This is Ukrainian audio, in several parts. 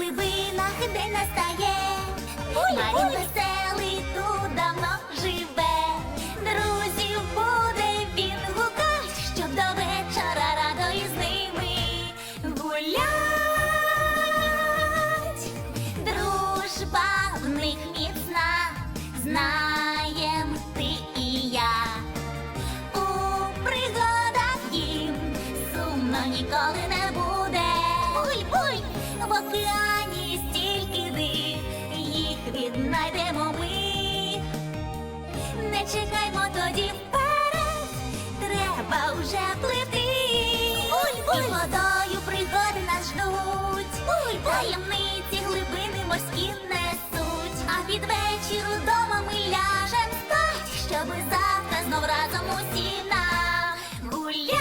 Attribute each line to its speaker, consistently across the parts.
Speaker 1: глибинах день настає. Марін веселий тут давно живе. Друзів буде він гукать, щоб до вечора радо із ними гулять. Дружба в них міцна, знаєм ти і я. У пригадах їм сумно ніколи не буде. Буй-буй! В океані стільки див, їх віднайдемо ми. Не чекаймо тоді вперед, треба вже плити. Буй-буй! І водою пригоди нас ждуть. Таємниці глибини морські несуть. А під вечір удома ми ляжем спать, щоби завтра знов разом усі нагулять.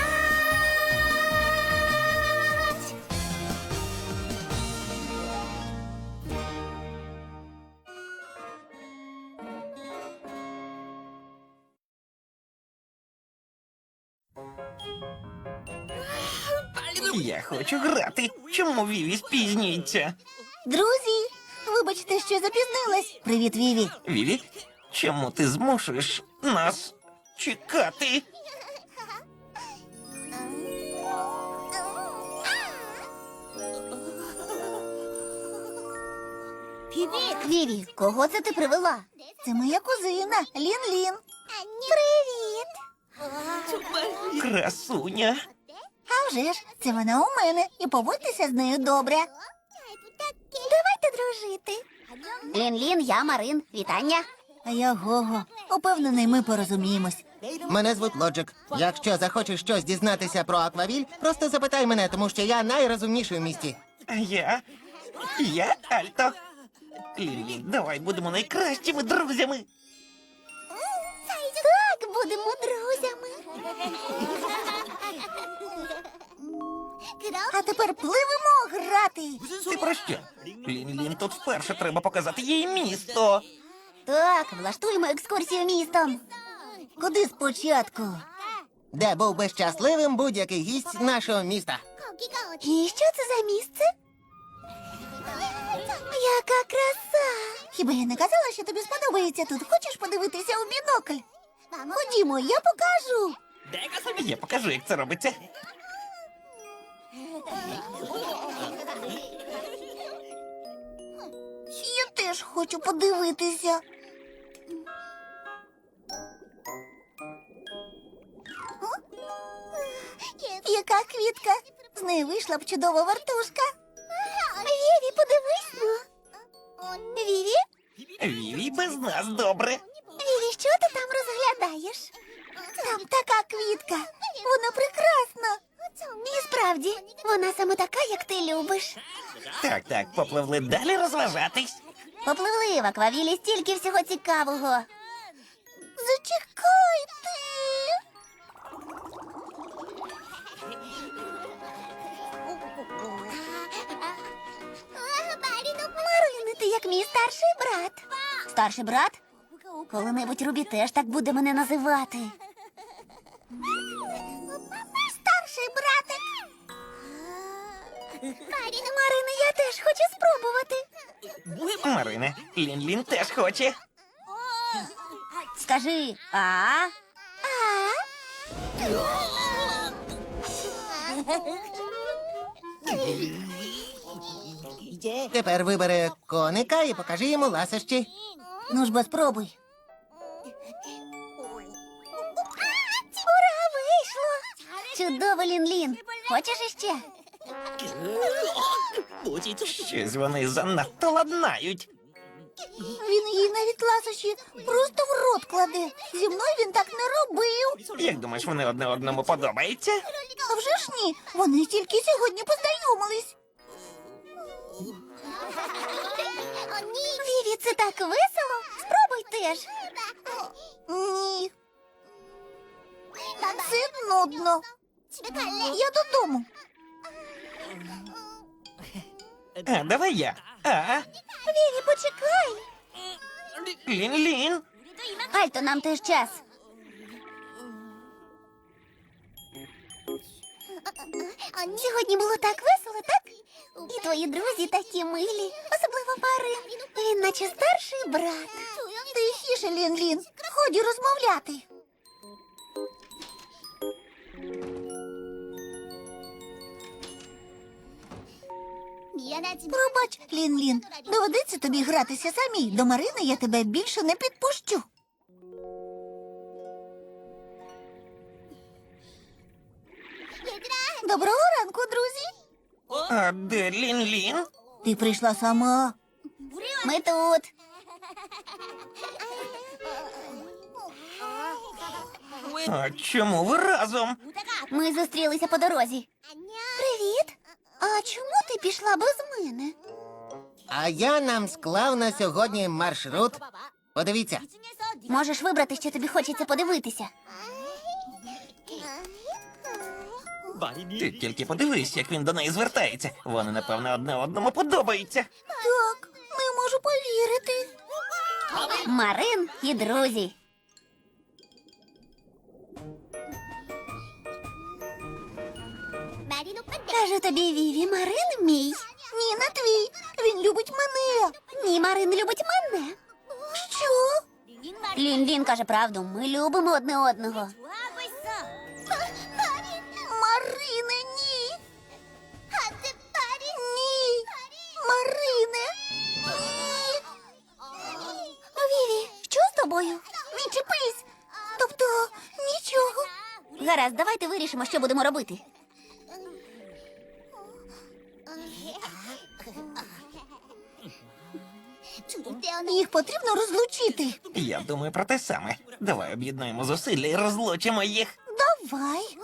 Speaker 2: Я хочу грати. Чому Віві спізнюється?
Speaker 1: Друзі, вибачте, що запізнилась. Привіт, Віві.
Speaker 2: Віві, чому ти змушуєш нас чекати?
Speaker 1: Віві, кого це ти привела? Це моя кузина, Лін-Лін. Привіт.
Speaker 2: Красуня.
Speaker 1: А вже ж, це вона у мене, і поводьтеся з нею добре. Давайте дружити. Лін-Лін, я Марин. Вітання. А я Гого. Упевнений, ми порозуміємось.
Speaker 3: Мене звуть Лоджик. Якщо захочеш щось дізнатися про Аквавіль, просто запитай мене, тому що я найрозумніший в місті.
Speaker 2: А я Альто. Лілі, давай будемо найкращими друзями.
Speaker 1: Так, будемо друзями. А тепер пливемо грати.
Speaker 2: Ти про що? Лін-Лін, тут вперше треба показати їй місто.
Speaker 1: Так, влаштуємо екскурсію містом. Куди спочатку?
Speaker 3: Де був би щасливим будь-який гість нашого міста.
Speaker 1: І що це за місце? Яка краса! Хіба я не казала, що тобі сподобається тут? Хочеш подивитися у бінокль? Ходімо, я покажу.
Speaker 2: Я покажу, як це робиться.
Speaker 1: Я теж хочу подивитися. Яка квітка? З неї вийшла б чудова вартушка. Віві, подивись. Віві?
Speaker 2: Віві без нас добре.
Speaker 1: Віві, що ти там розглядаєш? Там така квітка. Вона прекрасна. І справді, вона саме така, як ти любиш.
Speaker 2: Так, попливли далі розважатись.
Speaker 1: Попливли в аквавілі стільки всього цікавого. Зачекайте. Марине, ти як мій старший брат. Старший брат? Коли-небудь Рубі теж так буде мене називати. Старший братик. Марине, я теж хочу спробувати.
Speaker 2: Марине, Лін-Лін теж хоче.
Speaker 1: Скажи, а?
Speaker 3: Тепер вибери коника і покажи йому ласощі.
Speaker 1: Ну ж бо спробуй. Ура, вийшло! Чудово, Лін-Лін. Хочеш іще?
Speaker 2: Щось вони занадто ладнають.
Speaker 1: Він їй навіть ласощі просто в рот кладе. Зі мною він так не робив.
Speaker 2: Як думаєш, вони одне одному подобаються?
Speaker 1: А вже ж ні, вони тільки сьогодні познайомились. Віві, це так весело. Спробуй теж. Ні. Це нудно. Я додому.
Speaker 2: А, давай я.
Speaker 1: Віві, почекай.
Speaker 2: Лін-Лін.
Speaker 1: Альто, нам теж час. Сьогодні було так весело, так? І твої друзі такі милі, особливо Марин. Він наче старший брат. Тихіше, Лін-Лін, ході розмовляти. Пробач, Лін-Лін, доведеться тобі гратися самій. До Марини я тебе більше не підпущу. Доброго ранку, друзі.
Speaker 2: А де Лін-Лін?
Speaker 1: Ти прийшла сама. Ми тут.
Speaker 2: А чому ви разом?
Speaker 1: Ми зустрілися по дорозі. Привіт. А чому ти пішла без мене?
Speaker 3: А я нам склав на сьогодні маршрут. Подивіться.
Speaker 1: Можеш вибрати, що тобі хочеться подивитися.
Speaker 2: Ти тільки подивись, як він до неї звертається. Вони, напевно, одне одному подобаються.
Speaker 1: Так, не можу повірити. Марин і друзі. Кажу тобі, Віві, Марин мій. Ні, не твій. Він любить мене. Ні, Марин любить мене. Що? Лін-Лін каже правду. Ми любимо одне одного. Марине, ні. Ні. Марине. Ні. Віві, що з тобою? Відчепись. Тобто, нічого. Гаразд, давайте вирішимо, що будемо робити. Їх потрібно розлучити.
Speaker 2: Я думаю про те саме. Давай об'єднаємо зусилля і розлучимо їх.
Speaker 1: Давай.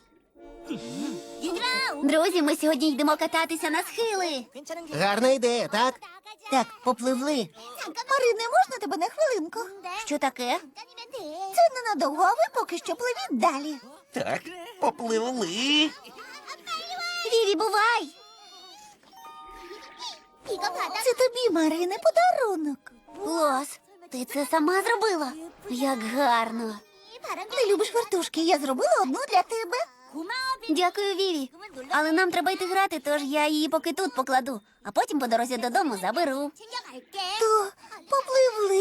Speaker 1: Друзі, ми сьогодні йдемо кататися на схили.
Speaker 3: Гарна ідея, так?
Speaker 1: Так, попливли. Марине, можна тебе на хвилинку? Що таке? Це ненадовго, а ви поки що пливіть далі.
Speaker 2: Так, попливли.
Speaker 1: Віві, бувай! Це тобі, Марине, подарунок. Клас, ти це сама зробила? Як гарно. Ти любиш вертушки, я зробила одну для тебе. Дякую, Віві. Але нам треба йти грати, тож я її поки тут покладу, а потім по дорозі додому заберу. То попливли?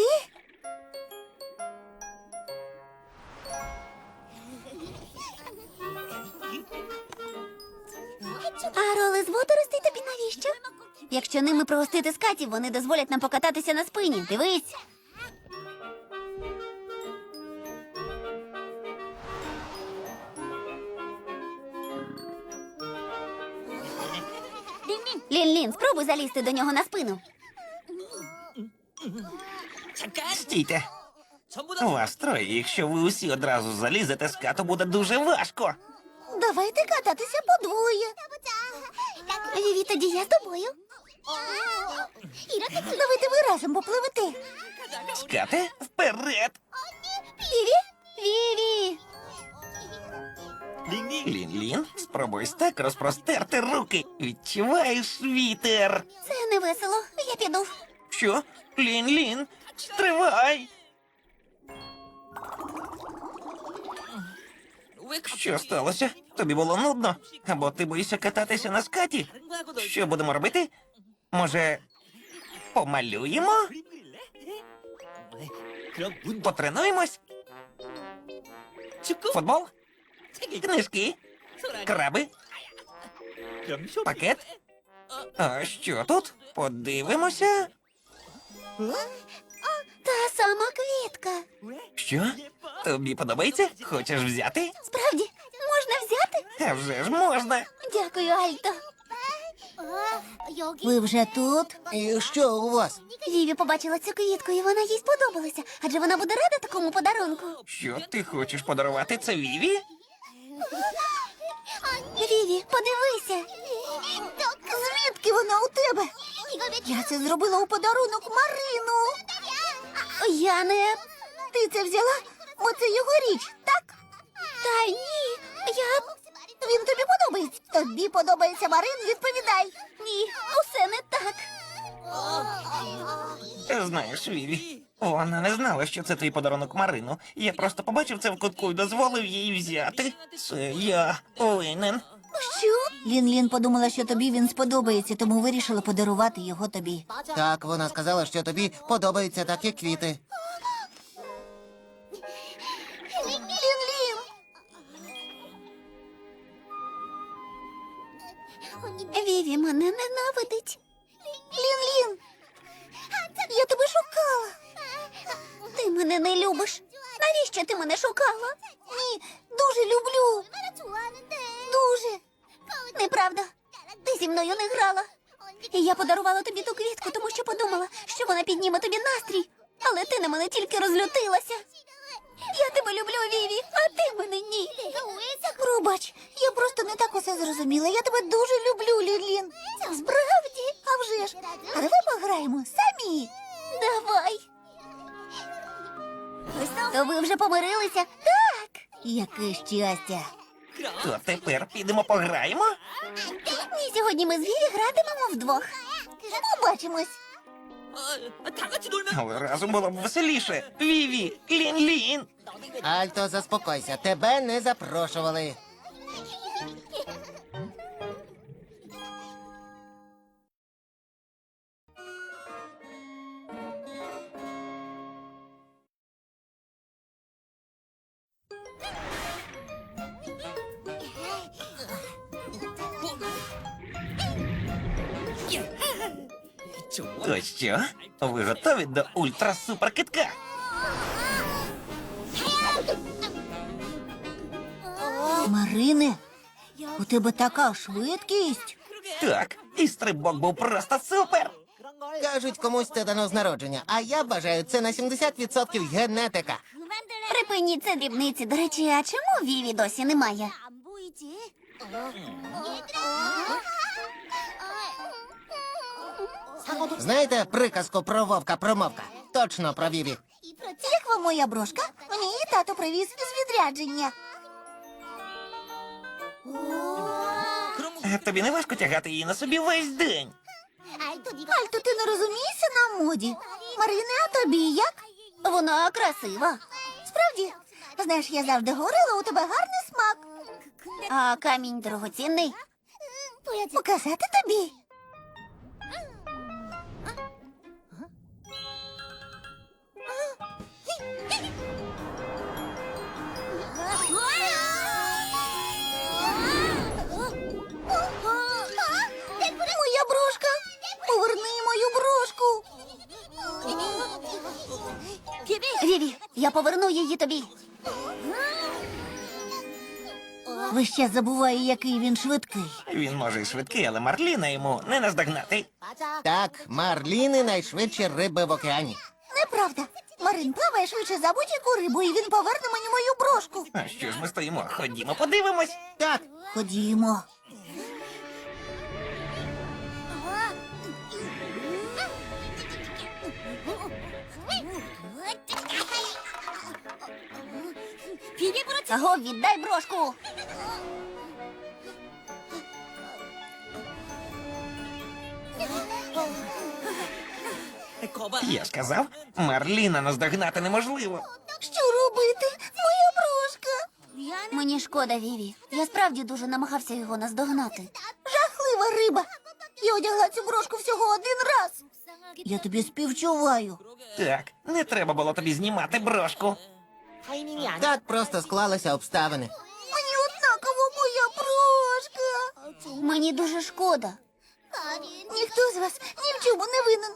Speaker 1: А роли з водоростей тобі навіщо? Якщо ними пригостити скатів, вони дозволять нам покататися на спині. Дивись. Лін-Лін, спробуй залізти до нього на спину.
Speaker 2: Стійте. Вас троє, якщо ви усі одразу залізете, скату буде дуже важко.
Speaker 1: Давайте кататися подвоє. Віві, тоді я з тобою. Давайте ви разом попливете.
Speaker 2: Скати, вперед!
Speaker 1: Віві? Віві!
Speaker 2: Лін-Лін, спробуй так розпростерти руки. Відчуваєш вітер.
Speaker 1: Це не весело. Я піду.
Speaker 2: Що? Лін-Лін, стривай! Що сталося? Тобі було нудно? Або ти боїшся кататися на скаті? Що будемо робити? Може, помалюємо? Потренуємось? Футбол? Книжки? Краби? Пакет? А що тут? Подивимося.
Speaker 1: Та сама квітка.
Speaker 2: Що? Тобі подобається? Хочеш взяти?
Speaker 1: Справді, можна взяти?
Speaker 2: А вже ж можна.
Speaker 1: Дякую, Альто. Ви вже тут?
Speaker 3: І що у вас?
Speaker 1: Віві побачила цю квітку, і вона їй сподобалася. Адже вона буде рада такому подарунку.
Speaker 2: Що ти хочеш подарувати це Віві?
Speaker 1: Віві, подивися. Звідки вона у тебе? Я це зробила у подарунок Марину. Я не... Ти це взяла? Бо це його річ, так? Та ні, Він тобі подобається? Тобі подобається Марин? Відповідай. Ні, усе не так.
Speaker 2: Знаєш, Віві, вона не знала, що це твій подарунок Марину. Я просто побачив це в кутку і дозволив їй взяти. Це я винен.
Speaker 1: Що? Лін-Лін подумала, що тобі він сподобається, тому вирішила подарувати його тобі.
Speaker 3: Так, вона сказала, що тобі подобаються такі квіти.
Speaker 1: Лін-Лін! Віві мене ненавидить. Лін-Лін! Я тебе шукала. Ти мене не любиш. Навіщо ти мене шукала? Ні, дуже люблю. Дуже. Неправда. Ти зі мною не грала. І я подарувала тобі ту квітку, тому що подумала, що вона підніме тобі настрій. Але ти на мене тільки розлютилася. Я тебе люблю, Віві, а ти мене ні. Пробач, я просто не так усе зрозуміла. Я тебе дуже люблю, Лін-Лін. Справді? А вже ж. А давай пограємо самі. Давай. То ви вже помирилися? Так. Яке щастя.
Speaker 2: То тепер підемо пограємо?
Speaker 1: Ні, сьогодні ми з Віві гратимемо вдвох. Побачимось.
Speaker 2: Але разом було б веселіше. Віві, Лін-Лін.
Speaker 3: Альто, заспокойся, тебе не запрошували.
Speaker 2: То що? Ви готові до ультра-супер-китка?
Speaker 1: Марине, у тебе така швидкість.
Speaker 2: Так, і стрибок був просто супер.
Speaker 3: Кажуть, комусь це дано з народження, а я бажаю, це на 70% генетика.
Speaker 1: Припиніть це дрібниці. До речі, а чому Віві досі немає?
Speaker 3: Знаєте приказку про вовка-промовка? Точно про Віві.
Speaker 1: Як вам моя брошка? Мені її тато привіз з відрядження.
Speaker 2: Тобі не важко тягати її на собі весь день.
Speaker 1: Альто, ти не розумієшся на моді? Марине, а тобі як? Вона красива. Справді? Знаєш, я завжди говорила, у тебе гарний смак. А камінь дорогоцінний? Показати тобі? Моя брошка! Поверни мою брошку! Віві, я поверну її тобі. Весь час забуваю, який він швидкий.
Speaker 2: Він може і швидкий, але Марліна йому не наздогнати.
Speaker 3: Так, марліни найшвидші риби в океані.
Speaker 1: Неправда. Марин плаває швидше за будь-яку рибу, і він поверне мені мою брошку.
Speaker 2: А що ж ми стоїмо? Ходімо, подивимось.
Speaker 3: Так,
Speaker 1: Ходімо. Аго, віддай брошку.
Speaker 2: Я ж казав, Марліна наздогнати неможливо.
Speaker 1: Що робити? Моя брошка. Мені шкода, Віві. Я справді дуже намагався його наздогнати. Жахлива риба. Я одягла цю брошку всього один раз. Я тобі співчуваю.
Speaker 2: Так, не треба було тобі знімати брошку.
Speaker 3: так просто склалися обставини.
Speaker 1: Мені однаково моя брошка. Мені дуже шкода. Ніхто з вас ні в чому не винен.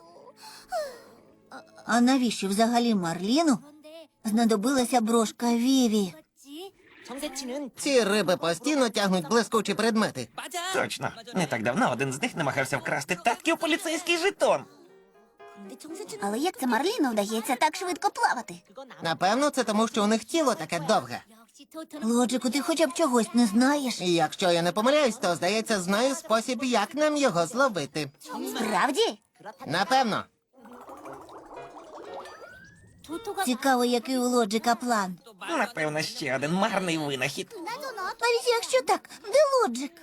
Speaker 1: А навіщо взагалі Марліну знадобилася брошка Віві?
Speaker 3: Ці риби постійно тягнуть блискучі предмети.
Speaker 2: Точно. Не так давно один з них намагався вкрасти татків поліцейський жетон.
Speaker 1: Але як це Марліну вдається так швидко плавати?
Speaker 3: Напевно, це тому, що у них тіло таке довге.
Speaker 1: Лоджику, ти хоча б чогось не знаєш?
Speaker 3: І якщо я не помиляюсь, то, здається, знаю спосіб, як нам його зловити.
Speaker 1: Справді?
Speaker 3: Напевно.
Speaker 1: Цікаво, який у Лоджика план.
Speaker 2: Напевно, ще один марний винахід.
Speaker 1: Навіть якщо так, де Лоджик?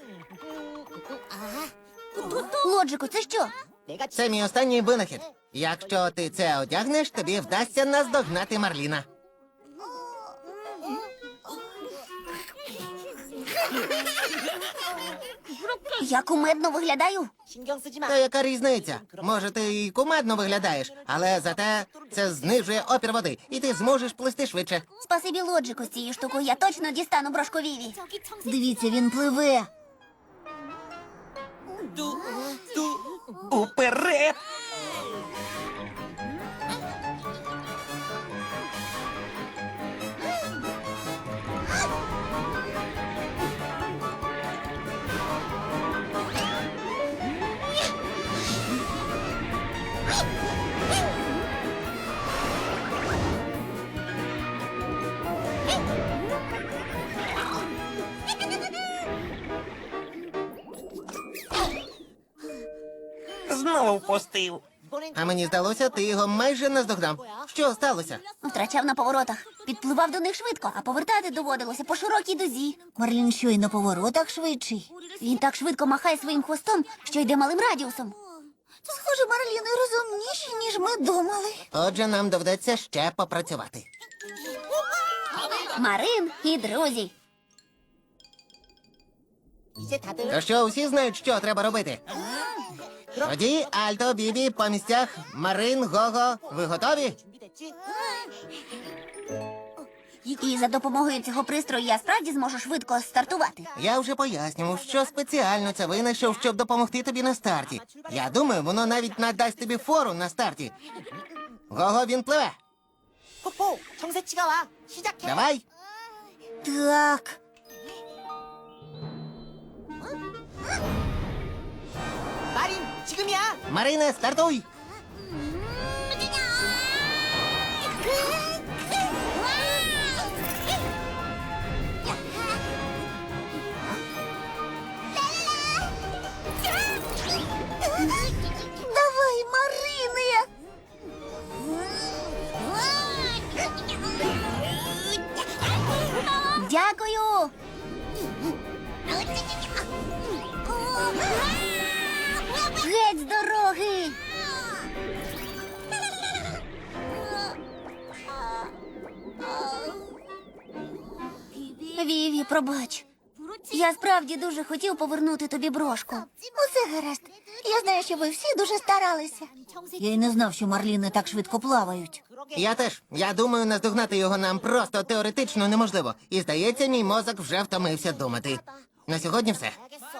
Speaker 1: Лоджику, це що?
Speaker 3: Це мій останній винахід. Якщо ти це одягнеш, тобі вдасться наздогнати Марліна.
Speaker 1: Я кумедно виглядаю.
Speaker 3: Та яка різниця? Може, ти і кумедно виглядаєш, але зате це знижує опір води, і ти зможеш плисти швидше.
Speaker 1: Спасибі Лоджику з цією штукою. Я точно дістану брошку Віві. Дивіться, він пливе.
Speaker 2: Уперед! Знову впустив.
Speaker 3: А мені здалося, ти його майже наздогнав. Що сталося?
Speaker 1: Втрачав на поворотах. Підпливав до них швидко, а повертати доводилося по широкій дузі. Марлін що й на поворотах швидший. Він так швидко махає своїм хвостом, що йде малим радіусом. Схоже, Марліни розумніші, ніж ми думали.
Speaker 3: Отже, нам доведеться ще попрацювати.
Speaker 1: Марин і друзі.
Speaker 3: То що, усі знають, що треба робити? Тоді, Альто, Бібі, по місцях, Марин, Гого, ви готові?
Speaker 1: І за допомогою цього пристрою я справді зможу швидко стартувати.
Speaker 3: Я вже пояснював, що спеціально це винайшов, щоб допомогти тобі на старті. Я думаю, воно навіть надасть тобі фору на старті. Гого, він пливе.
Speaker 4: 폭포 정세치가 와 시작해.
Speaker 3: Давай.
Speaker 1: Так.
Speaker 4: 마린 지금이야.
Speaker 3: Марине, стартуй.
Speaker 1: Давай, Марине! Дякую! Геть з дороги! Віві, пробач. Я справді дуже хотів повернути тобі брошку. Усе гаразд. Я знаю, що ви всі дуже старалися. Я й не знав, що марліни так швидко плавають.
Speaker 3: Я теж. Я думаю, наздогнати його нам просто теоретично неможливо. І здається, мій мозок вже втомився думати. На сьогодні все.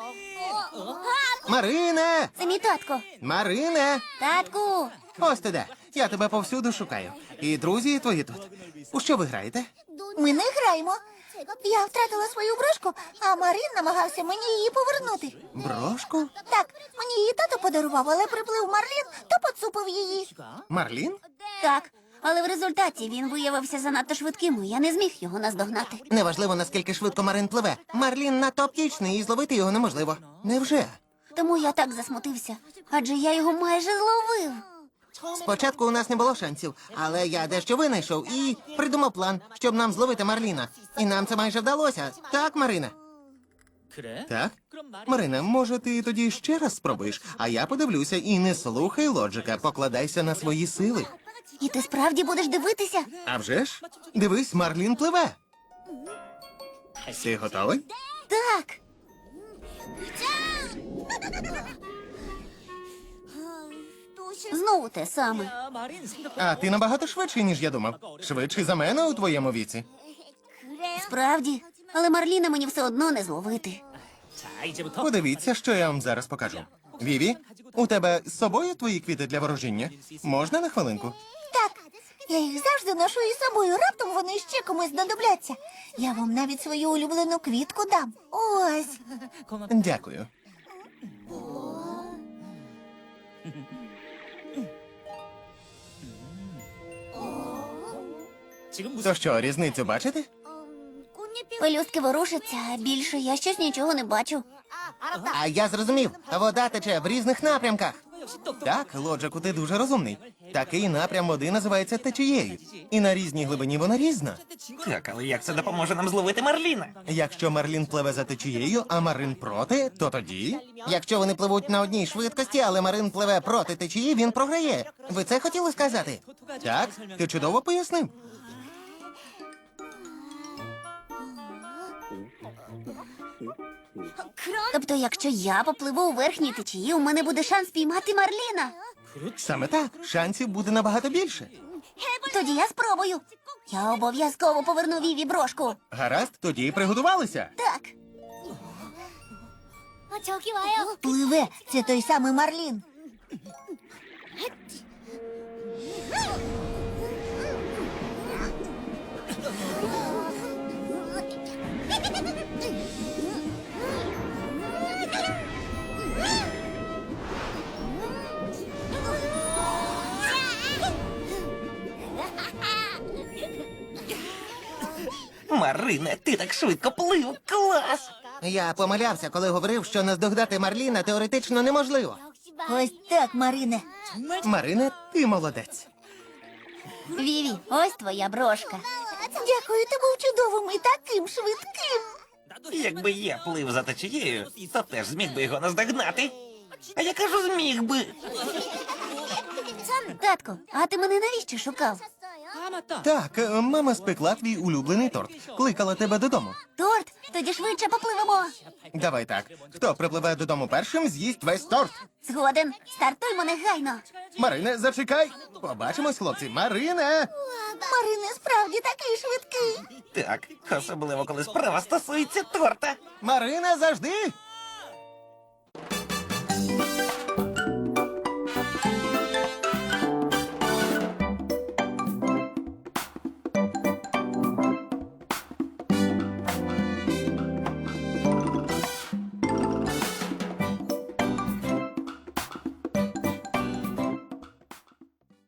Speaker 3: Марине!
Speaker 1: Це мій татко.
Speaker 3: Марине!
Speaker 1: Татку!
Speaker 3: Ось ти де. Я тебе повсюду шукаю. І друзі твої тут. У що ви граєте?
Speaker 1: Ми не граємо. Я втратила свою брошку, а Марин намагався мені її повернути.
Speaker 3: Брошку?
Speaker 1: Так, мені її тато подарував, але приплив Марлін, то поцупив її.
Speaker 3: Марлін?
Speaker 1: Так, але в результаті він виявився занадто швидким, і я не зміг його наздогнати.
Speaker 3: Неважливо, наскільки швидко Марин пливе. Марлін надто оптічний і зловити його неможливо. Невже?
Speaker 1: Тому я так засмутився, адже я його майже зловив.
Speaker 3: Спочатку у нас не було шансів, але я дещо винайшов і придумав план, щоб нам зловити Марліна. І нам це майже вдалося. Так, Марина? Так? Марина, може, ти тоді ще раз спробуєш, а я подивлюся і не слухай Лоджика, покладайся на свої сили.
Speaker 1: І ти справді будеш дивитися?
Speaker 3: А вже ж? Дивись, Марлін пливе. Ти готовий?
Speaker 1: Так. Знову те саме.
Speaker 3: А ти набагато швидший, ніж я думав. Швидший за мене у твоєму віці.
Speaker 1: Справді, але Марліна мені все одно не зловити.
Speaker 3: Подивіться, що я вам зараз покажу. Віві, у тебе з собою твої квіти для ворожіння? Можна на хвилинку?
Speaker 1: Так, я їх завжди ношу із собою, раптом вони ще комусь знадобляться. Я вам навіть свою улюблену квітку дам. Ось.
Speaker 3: Дякую. То що, різницю бачите?
Speaker 1: Пелюстки ворушаться, а більше я щось нічого не бачу.
Speaker 3: А я зрозумів, вода тече в різних напрямках. Так, Лоджику, ти дуже розумний. Такий напрям води називається течією. І на різній глибині вона різна.
Speaker 2: Так, але як це допоможе нам зловити Марліна?
Speaker 3: Якщо Марлін пливе за течією, а Марин проти, то тоді. Якщо вони пливуть на одній швидкості, але Марин пливе проти течії, він програє. Ви це хотіли сказати? Так, ти чудово пояснив.
Speaker 1: Тобто, якщо я попливу у верхній течії, у мене буде шанс піймати Марліна.
Speaker 3: Саме так, шансів буде набагато більше.
Speaker 1: Тоді я спробую. Я обов'язково поверну Віві брошку.
Speaker 3: Гаразд, тоді приготувалися.
Speaker 1: Так. Пливе, це той самий Марлін.
Speaker 2: Марине, ти так швидко плив. Клас!
Speaker 3: Я помилявся, коли говорив, що наздогнати Марліна теоретично неможливо.
Speaker 1: Ось так, Марине.
Speaker 3: Марине, ти молодець.
Speaker 1: Віві, ось твоя брошка. Дякую, ти був чудовим і таким швидким.
Speaker 2: Якби я плив за течією, то теж зміг би його наздогнати. А я кажу, зміг би.
Speaker 1: Татку, а ти мене навіщо шукав?
Speaker 3: Так, мама спекла твій улюблений торт. Кликала тебе додому.
Speaker 1: Торт, тоді швидше попливемо.
Speaker 3: Давай так. Хто припливе додому першим, з'їсть весь торт.
Speaker 1: Згоден, стартуймо негайно.
Speaker 3: Марине, зачекай. Побачимось, хлопці. Марине!
Speaker 1: Марине справді такий швидкий.
Speaker 2: Так, особливо коли справа стосується торта.
Speaker 3: Марине, завжди!